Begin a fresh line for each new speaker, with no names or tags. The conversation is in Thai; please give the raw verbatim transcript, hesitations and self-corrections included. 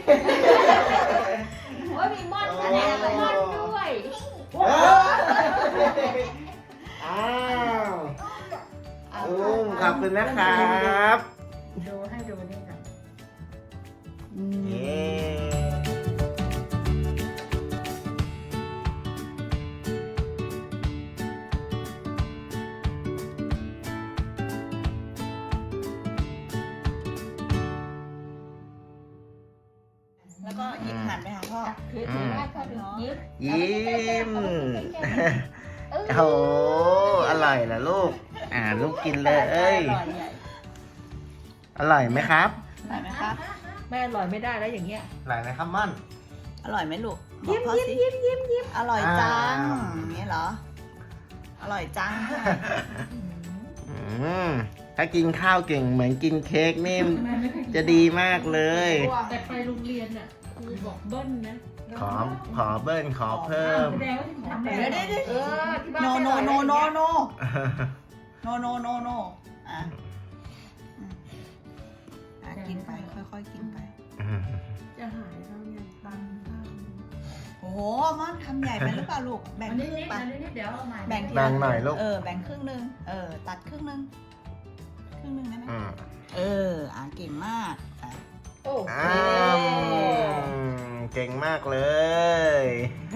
โอ้ยมีม่อนคะแนนกับม่อนด้วย
อ้าวอืมขอบคุณนะครับ
ดูให้ดูนี่ก่อน
เย้
แล้วก็หยิบหันไปหาพ่อ
คือถือได้ก็ดูยิ้ม
ยิ้มโอ้โหอร่อยเหรอลูก อ่าลูกกินเลย
อร่อยใหญ่
อร่อยไหมครับ
อร่อยไหมครับ
แม่อร่อยไม่ได้แล้วอย่างเงี้ย
อร่อยไหมครับม่อน
อร่อยไหมลูกยิ้มยิ้มยิ้มยิ้มยิ้มอร่อยจัง
อ่า
อย่างนี้เหรอ อร่อยจัง
อืมถ้ากินข้าวเก่งเหมือนกินเค้กนี่จะดีมากเลย
แต่ไปโรงเรียนอ่ะครูบอกเบิ้ลนะ
ขอขอเบิ้ลขอเพิ่ม
แสดงว่าที่ทำ
เดี๋ยวเดี๋ยวเดี๋ยว
เออที่บ้าน
โน
ไม่
โน
อร่อย
โน
เลย
โนโนโนโนโนโนอ่ะอืมอ่ะกินไปค่อยๆกินไป
จะหายแล้วเนี่ยตังข้าว
โอ้โหม่อนทำใหญ่ไปหรือเปล่าลูกแบ่ง
อัน
ค
นี้
รึ่ง
นิด
ไป
อันนี้นิดเดี๋ยวเอาใหม่
แบ่งที
แบ่งหน่อยลูก
เออแบ่งครึ่งหนึงเออตัดครึ่งหนึงครึ่งหนึงได้ไหม
อืม
เอออ่ะเก่งมากอ่ะ
โอ้
อ้าวเก่งมากเลย